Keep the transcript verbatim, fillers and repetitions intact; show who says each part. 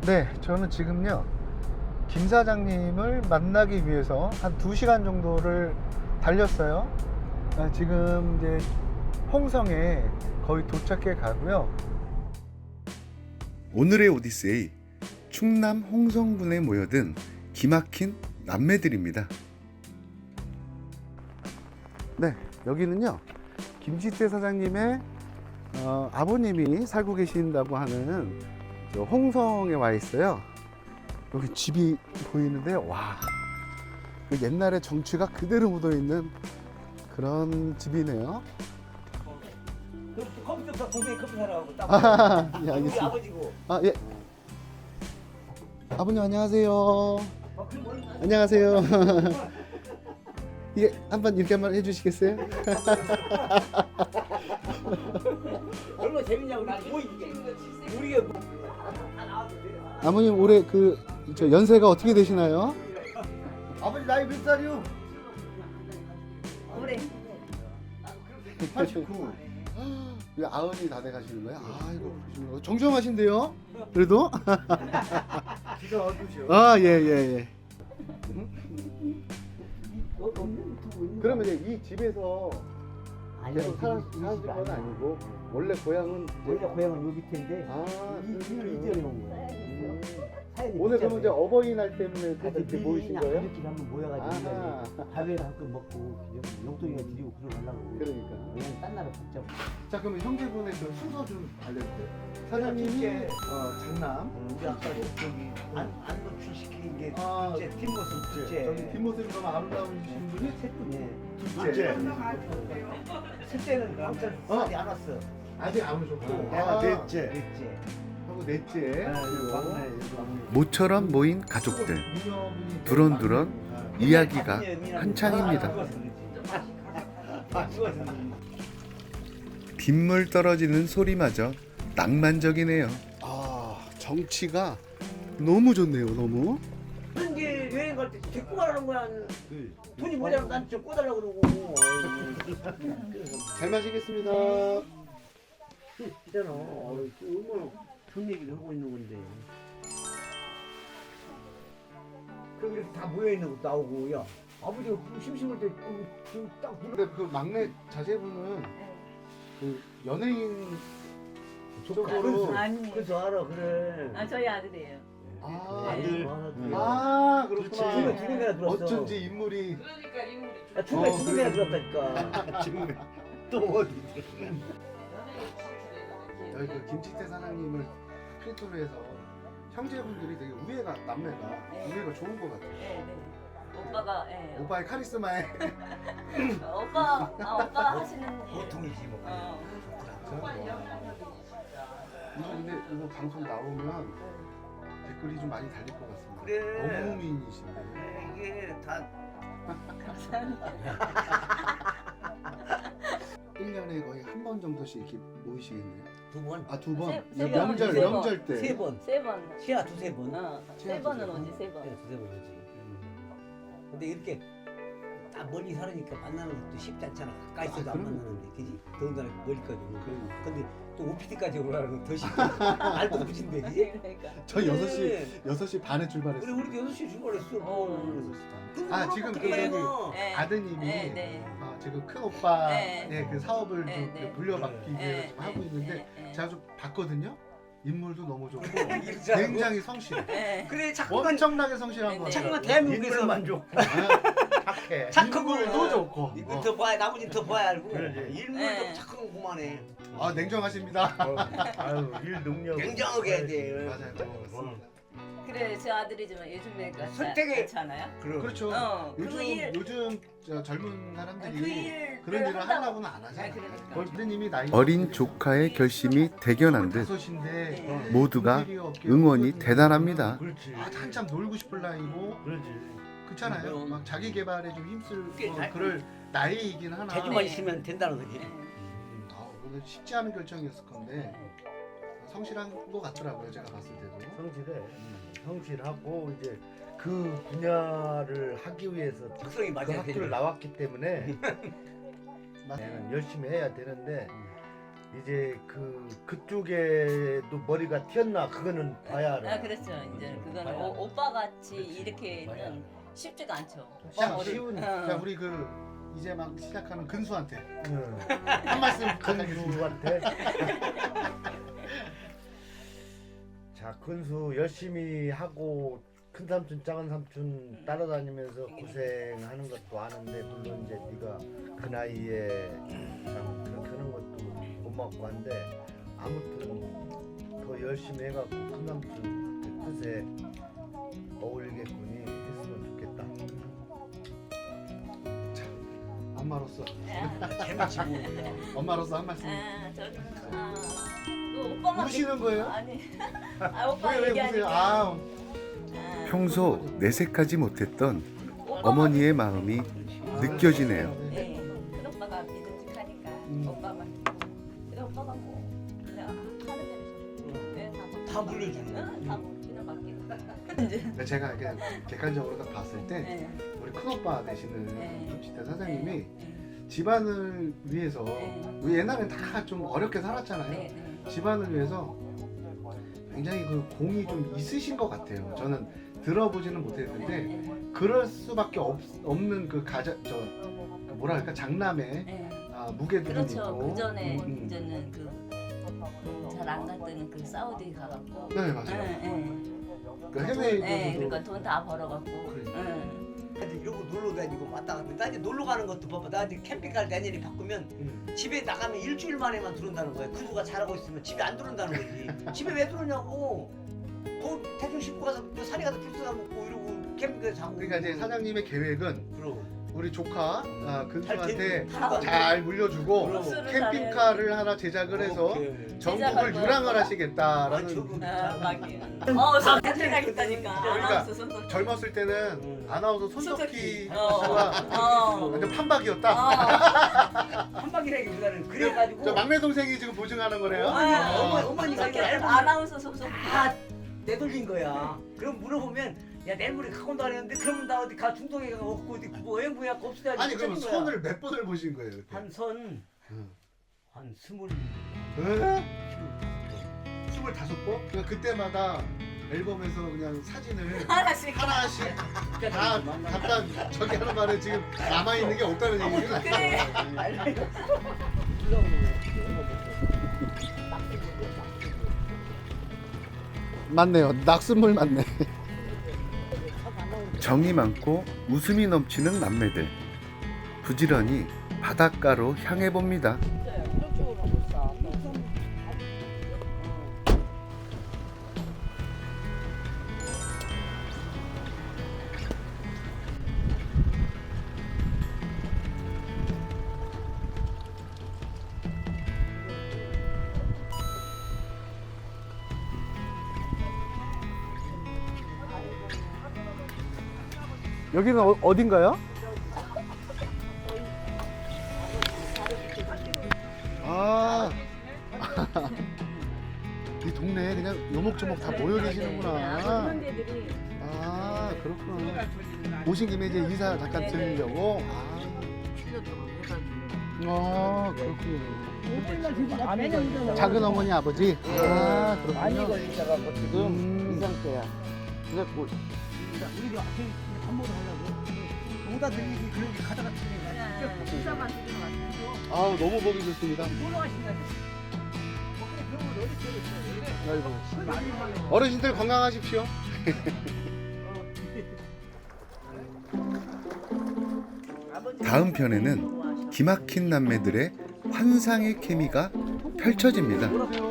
Speaker 1: 네, 저는 지금요 김 사장님을 만나기 위해서 한 두 시간 정도를 달렸어요. 아, 지금 이제 홍성에 거의 도착해 가고요.
Speaker 2: 오늘의 오디세이, 충남 홍성군에 모여든 기막힌 남매들입니다.
Speaker 1: 네, 여기는요 김지태 사장님의 어, 아버님이 살고 계신다고 하는 저 홍성에 와 있어요. 여기 집이 보이는데 와, 그 옛날의 정취가 그대로 묻어 있는 그런 집이네요.
Speaker 3: 그 컴퓨터 동생이 커피 사라고 딱.
Speaker 1: 아, 예,
Speaker 3: 우리
Speaker 1: 알겠습니다.
Speaker 3: 아버지고.
Speaker 1: 아, 예. 아버님 안녕하세요.
Speaker 3: 어, 그럼 뭐-
Speaker 1: 안녕하세요. 이게 한번 이렇게 한번 해주시겠어요?
Speaker 3: 얼마나 재밌냐고. 우리 뭐 이게 우리가 뭐.
Speaker 1: 아버님 올해 그 저 연세가 어떻게 되시나요?
Speaker 4: 아버지 나이 몇 살이요?
Speaker 5: 올해
Speaker 4: 팔십구.
Speaker 1: 왜 아흔이 다 돼가시는 거예요? 아이고 그러시구나. 정정하신데요? 그래도?
Speaker 4: 기가 어두셔.
Speaker 1: 아, 예, 예, 예. 그러면 이제 이 집에서
Speaker 3: 아니,
Speaker 1: 그냥 사, 사신 건 아니고 원래 고향은
Speaker 3: 원래 고향은 요 밑인데
Speaker 1: 아,
Speaker 3: 이 집을
Speaker 1: 그렇군요.
Speaker 3: 이전해 온 거야.
Speaker 1: 음.
Speaker 3: 사연이
Speaker 1: 오늘 그러면 이제
Speaker 3: 있잖아요.
Speaker 1: 어버이날 때문에 다들 이렇게
Speaker 3: 미리
Speaker 1: 모이신
Speaker 3: 그냥
Speaker 1: 거예요?
Speaker 3: 가족끼리 한번 모여가지고
Speaker 1: 아하.
Speaker 3: 밥에 한껏 먹고 용돈이가 드리고 그러려고.
Speaker 1: 그러니까.
Speaker 3: 그냥 딴 나라 복잡.
Speaker 1: 자, 그러면 형제분의 그 순서 좀 알려주세요. 사장님이
Speaker 4: 둘째.
Speaker 1: 어, 장남,
Speaker 4: 우리 아까 저기 안 안노 출시키는 게
Speaker 1: 아,
Speaker 4: 둘째 뒷모습
Speaker 1: 저기
Speaker 4: 둘째.
Speaker 1: 뒷모습이 너무 아름다우신 분이
Speaker 3: 셋뿐이에요.
Speaker 1: 둘째.
Speaker 4: 셋째는 아무튼
Speaker 1: 어?
Speaker 4: 살이 안 왔어.
Speaker 1: 아직 안 오셨고.
Speaker 4: 내가
Speaker 1: 아,
Speaker 4: 넷째. 넷째.
Speaker 1: 하고 넷째.
Speaker 4: 막내.
Speaker 2: 모처럼 모인 가족들.
Speaker 1: 미녀분이
Speaker 2: 두런두런
Speaker 1: 아,
Speaker 2: 이야기가 한창입니다.
Speaker 4: 아, 죽었어.
Speaker 2: 빗물 떨어지는 소리마저 낭만적이네요.
Speaker 1: 아, 정치가 너무 좋네요, 너무.
Speaker 3: 한게 여행 갈 때 데리고 가라는 거야. 돈이 모자라면 난좀 꿔달라고 그러고.
Speaker 1: 잘 마시겠습니다.
Speaker 3: 있잖아. 어, 얼마나 좋은 얘기를 하고 있는 건데. 그럼 이렇게 다 모여 있는 것도 나오고, 야 아버지가 심심할 때딱
Speaker 1: 근데 그 막내 자제분은 그 연예인 쪽으로
Speaker 5: 아니
Speaker 3: 그래서 알아 그래.
Speaker 5: 아 저희 아들이에요.
Speaker 1: 아,
Speaker 4: 아들.
Speaker 1: 아,
Speaker 3: 두개
Speaker 1: 그렇구나.
Speaker 3: 두 군데나 들었어.
Speaker 1: 어쩐지 인물이
Speaker 5: 그러니까 인물이
Speaker 3: 야, 중간에
Speaker 1: 어,
Speaker 3: 두 군데나 들었다니까.
Speaker 4: 지금 또 어디?
Speaker 1: 여기 그 김치태 사장님을 필두로 해서 형제분들이 되게 우애가 남매가
Speaker 5: 네.
Speaker 1: 우애가 좋은 것 같아요.
Speaker 5: 네, 네. 오빠가 예.
Speaker 1: 오빠의 카리스마에
Speaker 5: 오빠 아, 오빠 하시는 일.
Speaker 4: 보통이지 뭐.
Speaker 5: 어.
Speaker 1: 이거 근데 이거 방송 나오면 댓글이 좀 많이 달릴 것 같습니다.
Speaker 4: 그래.
Speaker 1: 너무 미인이신데.
Speaker 4: 이게 다
Speaker 5: 감사합니다.
Speaker 1: 일 년에 거의 한 번 정도씩 이렇게 모이시겠네요.
Speaker 3: 두 번,
Speaker 1: 아, 두 번.
Speaker 5: 세- 세 번,
Speaker 1: 명절
Speaker 5: 세 번.
Speaker 1: 명절 때.
Speaker 3: 세 번.
Speaker 5: 세 번.
Speaker 3: 시야 두세 번.
Speaker 5: 어.
Speaker 1: 치아
Speaker 5: 세 번은
Speaker 1: 두세
Speaker 5: 오지
Speaker 1: 번?
Speaker 5: 세 번.
Speaker 3: 시야 두세 번 오지. 근데 이렇게 딱 멀리 살으니까 만나는 것도 쉽지 않잖아. 가까이 있어도
Speaker 1: 아,
Speaker 3: 안
Speaker 1: 그럼요.
Speaker 3: 만나는데, 그지? 더군다나 멀리까지 오고.
Speaker 1: 그러니까.
Speaker 3: 근데 또 오피디까지 올라가는 건 더 쉽고. 알도 붙인데, 그지?
Speaker 5: 그러니까.
Speaker 1: 저
Speaker 3: 그래.
Speaker 1: 여섯 시 여섯 시 반에
Speaker 3: 그래,
Speaker 1: 출발했어요.
Speaker 3: 우리도 여섯 시에 출발했어.
Speaker 5: 어.
Speaker 3: 그럼
Speaker 1: 아,
Speaker 3: 그럼
Speaker 1: 지금
Speaker 3: 어떻게
Speaker 1: 그
Speaker 3: 해,
Speaker 1: 저기
Speaker 3: 이거?
Speaker 5: 네.
Speaker 1: 아드님이
Speaker 5: 네, 네.
Speaker 1: 아, 지금 큰 오빠의
Speaker 5: 네.
Speaker 1: 그 사업을
Speaker 5: 네,
Speaker 1: 좀
Speaker 5: 네.
Speaker 1: 물려받기 위해서
Speaker 5: 네,
Speaker 1: 좀 하고
Speaker 5: 네,
Speaker 1: 있는데
Speaker 5: 네, 네.
Speaker 1: 제가 좀 봤거든요. 인물도 너무 좋고
Speaker 3: 이렇지 않고?
Speaker 1: 굉장히 성실해.
Speaker 5: 네.
Speaker 3: 그래, 자꾸만,
Speaker 1: 엄청나게 성실한
Speaker 5: 네,
Speaker 1: 거
Speaker 5: 네.
Speaker 3: 자꾸만
Speaker 1: 같아요.
Speaker 3: 대한민국에서
Speaker 4: 인물만 좋고
Speaker 1: 아, 착해.
Speaker 3: 착하고.
Speaker 1: 인물도 좋고.
Speaker 3: 이거
Speaker 1: 어.
Speaker 3: 더 봐야, 나머지는 더 봐야 알고.
Speaker 4: 그러지.
Speaker 3: 일물도
Speaker 5: 네.
Speaker 3: 착하고 그만해.
Speaker 1: 아, 냉정하십니다.
Speaker 4: 아유 일 능력
Speaker 3: 냉정하게 해야 돼.
Speaker 1: 맞아요. 고맙습니다.
Speaker 5: 그래 저 아들이지만 요즘에
Speaker 3: 선택에-
Speaker 5: 그렇지 않아요?
Speaker 3: 그럼.
Speaker 1: 그렇죠.
Speaker 5: 어,
Speaker 1: 요즘
Speaker 5: 그 일-
Speaker 1: 요즘 저 젊은 사람들이
Speaker 5: 그 일
Speaker 1: 그런 일을 하려고는 안 하잖아요.
Speaker 5: 아, 그러니까.
Speaker 1: 아드님이 나이
Speaker 2: 어린 조카의 결심이 대견한 듯
Speaker 1: 다섯인데
Speaker 5: 네.
Speaker 2: 모두가 응원이 대단합니다.
Speaker 4: 그렇지.
Speaker 1: 아, 한참 놀고 싶을 나이고
Speaker 4: 그렇지.
Speaker 1: 그렇잖아요.
Speaker 3: 그럼.
Speaker 1: 막 자기 개발에 좀 힘쓸
Speaker 3: 그게
Speaker 1: 어,
Speaker 3: 잘-
Speaker 1: 그럴 나이이긴 하나.
Speaker 3: 재주만
Speaker 5: 네.
Speaker 3: 있으면 된다는 거지.
Speaker 5: 네.
Speaker 1: 아, 오늘 쉽지 않은 결정이었을 건데 성실한 것 같더라고요. 제가 봤을 때도.
Speaker 4: 성실해. 성실하고 이제 그 분야를 하기 위해서
Speaker 3: 적성이
Speaker 4: 그
Speaker 3: 맞아야
Speaker 4: 학교를
Speaker 3: 돼.
Speaker 4: 나왔기 때문에 나는 열심히 해야 되는데 이제 그 그쪽에도 머리가 튀었나 그거는 봐야 알아.
Speaker 5: 아 그렇죠. 이제 그거는 오, 오빠 같이 이렇게는 쉽지가 않죠.
Speaker 1: 자,
Speaker 5: 오빠 머리-
Speaker 1: 쉬운.
Speaker 5: 어.
Speaker 1: 자, 우리 그 이제 막 시작하는 근수한테
Speaker 4: 응.
Speaker 1: 한 말씀 부탁드리겠습니다.
Speaker 4: 근수한테. 자, 근수 열심히 하고 큰 삼촌, 작은 삼촌 따라다니면서 고생하는 것도 아는데 물론 이제 네가 그 나이에 참 그렇게 하는 것도 고맙고 한데 아무튼 더 열심히 해갖고 큰 삼촌 뜻에 어울리겠군이 했으면 좋겠다.
Speaker 1: 엄마로서
Speaker 3: 재밌지 뭐.
Speaker 1: 엄마로서 한 말씀.
Speaker 5: 아 저는 아, 그 오빠만
Speaker 1: 우시는 거예요?
Speaker 5: 아니 아 오빠
Speaker 1: 왜, 왜 보세요?
Speaker 5: 얘기하니까
Speaker 1: 아,
Speaker 5: 아,
Speaker 2: 평소 내색하지 못했던
Speaker 5: 오빠만
Speaker 2: 어머니의 마음이 느껴지네요.
Speaker 5: 네, 큰 오빠가 믿음직하니까
Speaker 1: 음.
Speaker 5: 오빠만 근데 오빠가 뭐 그냥 하는 대로 네, 다,
Speaker 3: 다 물려주는.
Speaker 5: 응, 다 물기는 맡기는 이제
Speaker 1: 근데 제가 이렇게 객관적으로 딱 봤을 때
Speaker 5: 네,
Speaker 1: 우리 큰오빠 되시는
Speaker 5: 네.
Speaker 1: 김치태 사장님이
Speaker 5: 네,
Speaker 1: 집안을 위해서
Speaker 5: 네.
Speaker 1: 우리 옛날엔 다 좀 어렵게 살았잖아요.
Speaker 5: 네, 네.
Speaker 1: 집안을 위해서 굉장히 그 공이 좀 있으신 것 같아요. 저는 들어보지는 못했는데
Speaker 5: 네,
Speaker 1: 그럴 수밖에 없, 없는 그 가자 저 뭐랄까 장남의
Speaker 5: 네.
Speaker 1: 아, 무게도 좀
Speaker 5: 그렇죠.
Speaker 1: 있고.
Speaker 5: 그 전에
Speaker 1: 음, 음.
Speaker 5: 이제는 그 잘 안 갔던 그 사우디 가갖고.
Speaker 1: 네 맞아요.
Speaker 5: 네, 네.
Speaker 1: 그 해외
Speaker 5: 네,
Speaker 1: 도
Speaker 5: 그러니까 돈 다 벌어갖고.
Speaker 1: 그러니까.
Speaker 5: 응.
Speaker 3: 이러고 놀러 다니고 왔다 갔다. 나 이제 놀러 가는 것도 봐봐. 나 이제 캠핑 갈 내년에 바꾸면
Speaker 1: 음.
Speaker 3: 집에 나가면 일주일 만에만 들어온다는 거야. 근수가 잘하고 있으면 집에 안 들어온다는 거지. 집에 왜 들어오냐고. 뭐 대충 씻고 가서 뭐 산에 가서 풀스 먹고 이러고 캠핑에서 자고.
Speaker 1: 그러니까 이제 사장님의 계획은
Speaker 3: 그럼.
Speaker 1: 우리 조카 아, 근수한테
Speaker 3: 잘
Speaker 1: 잘 물려주고
Speaker 3: 그럼.
Speaker 1: 캠핑카를 하나 제작을 해서
Speaker 3: 오케이.
Speaker 1: 전국을
Speaker 5: 제작할 거야.
Speaker 1: 유랑을
Speaker 3: 아,
Speaker 1: 하시겠다라는.
Speaker 3: 저거
Speaker 5: 아, 막이. 어, 선택 가겠다니까.
Speaker 1: 그러니까
Speaker 5: 아나운서 손톱.
Speaker 1: 젊었을 때는
Speaker 3: 음.
Speaker 1: 아나운서 손석희
Speaker 5: 손석희.
Speaker 1: 씨가
Speaker 5: 어.
Speaker 1: 완전 판박이었다.
Speaker 5: 어.
Speaker 3: 한방이라기보다는 그래가지고.
Speaker 1: 저 막내 동생이 지금 보증하는 거래요.
Speaker 3: 어머니,
Speaker 5: 아.
Speaker 3: 어머니, 어머니가 이렇게 알고
Speaker 5: 아나운서 소속.
Speaker 3: 다 내돌린 거야. 그럼 물어보면 야 내일 모레 갖고 온다 그랬는데 그러면 나 어디 가 중동에 가 없고 어디 뭐 여행 부야 없어야
Speaker 1: 아니 그러면 손을 몇 번을 보신 거예요? 그때?
Speaker 3: 한선
Speaker 1: 응.
Speaker 3: 한 스물
Speaker 1: 에? 스물다섯 번? 그냥 그때마다 앨범에서 그냥 사진을
Speaker 5: 하나씩.
Speaker 1: 하나씩 다 갖다 저기 하는 말에 지금 남아 있는 게 없다는 얘기는
Speaker 5: 그래.
Speaker 1: 맞네요. 낙수물 맞네.
Speaker 2: 정이 많고 웃음이 넘치는 남매들. 부지런히 바닷가로 향해 봅니다.
Speaker 1: 여기는 어, 어딘가요? 아, 이 동네에 그냥 요목조목 다 모여 계시는구나. 아, 그렇구나. 오신 김에 이제 인사 잠깐 드리려고. 아, 아 그렇군요. 작은 어머니 아버지. 아,
Speaker 6: 많이
Speaker 1: 그렇군요.
Speaker 6: 걸리셔갖고 지금
Speaker 1: 음.
Speaker 6: 이 상태야. 그래갖고
Speaker 3: 우리가 밥 먹으러 가려고 오다 들리기 그런 게 가다가 들리니까
Speaker 5: 식사만 드리러 왔어요.
Speaker 1: 아, 너무 보기 좋습니다.
Speaker 3: 놀러 가신다. 그래 그런 건 어디 있어요?
Speaker 1: 아이고. 어르신들 건강하십시오.
Speaker 2: 다음 편에는 기막힌 남매들의 환상의 케미가 펼쳐집니다.